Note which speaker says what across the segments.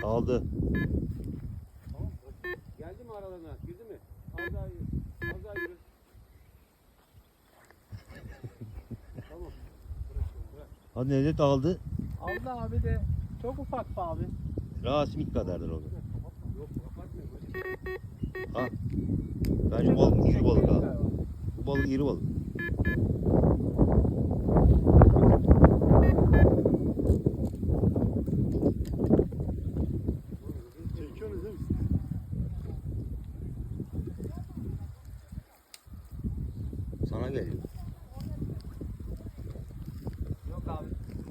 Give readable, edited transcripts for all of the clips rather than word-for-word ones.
Speaker 1: Aldı.
Speaker 2: Tamam. Geldi mi aralarına? Girdi mi? Az daha yürü. Az daha yürü. Tamam. Bırak.
Speaker 1: Hadi Necdet aldı.
Speaker 3: Aldı abi de çok ufak be abi.
Speaker 1: Rasimik kadardır o.
Speaker 2: Yok kapatmıyor.
Speaker 1: Ha. Ben şu balık iri balık abi. Bu balık iri balık.
Speaker 2: Çekiyorsunuz değil mi?
Speaker 1: Sana geliyor.
Speaker 3: Yok abi.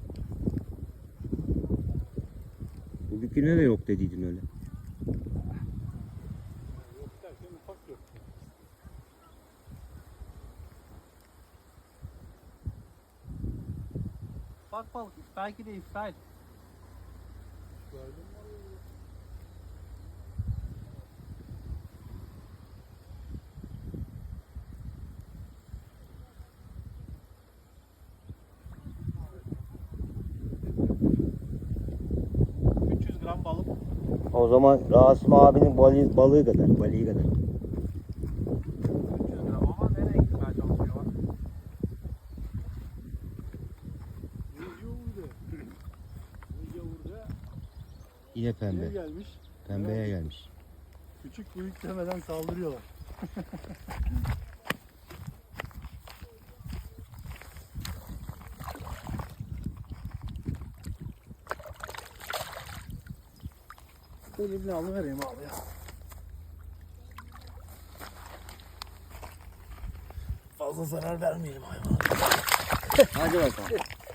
Speaker 1: Bugünküne de yok dediydin öyle.
Speaker 2: Yok derken ufak yok.
Speaker 3: Bak balık belki de İsrail.
Speaker 2: Gördün mü?
Speaker 3: Gram balık.
Speaker 1: O zaman Rasim abinin balığı kadar. Balığı kadar.
Speaker 3: 300 gram ama nereye gitmeye çalışıyor bak.
Speaker 2: Burada
Speaker 1: Yine
Speaker 2: ne
Speaker 1: pembe.
Speaker 2: gelmiş?
Speaker 1: Pembeye gelmiş.
Speaker 2: Küçük büyük demeden saldırıyorlar.
Speaker 3: Elimle alıvereyim abi ya.
Speaker 2: Fazla zarar vermeyelim hayvana.
Speaker 1: Hadi bakalım.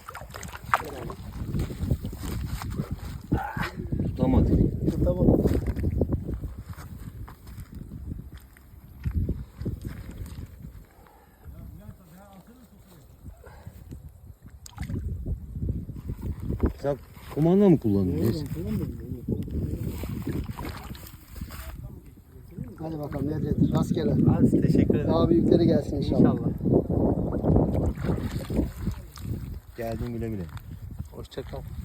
Speaker 1: Tutamadı.
Speaker 3: Tamam.
Speaker 1: Sen kumanda mı kullanıyorsun?
Speaker 4: Hadi bakalım Nedret rastgele.
Speaker 3: Hadi teşekkür ederim.
Speaker 4: Daha büyükleri gelsin inşallah.
Speaker 3: İnşallah.
Speaker 1: Geldin güle güle.
Speaker 3: Hoşça kal.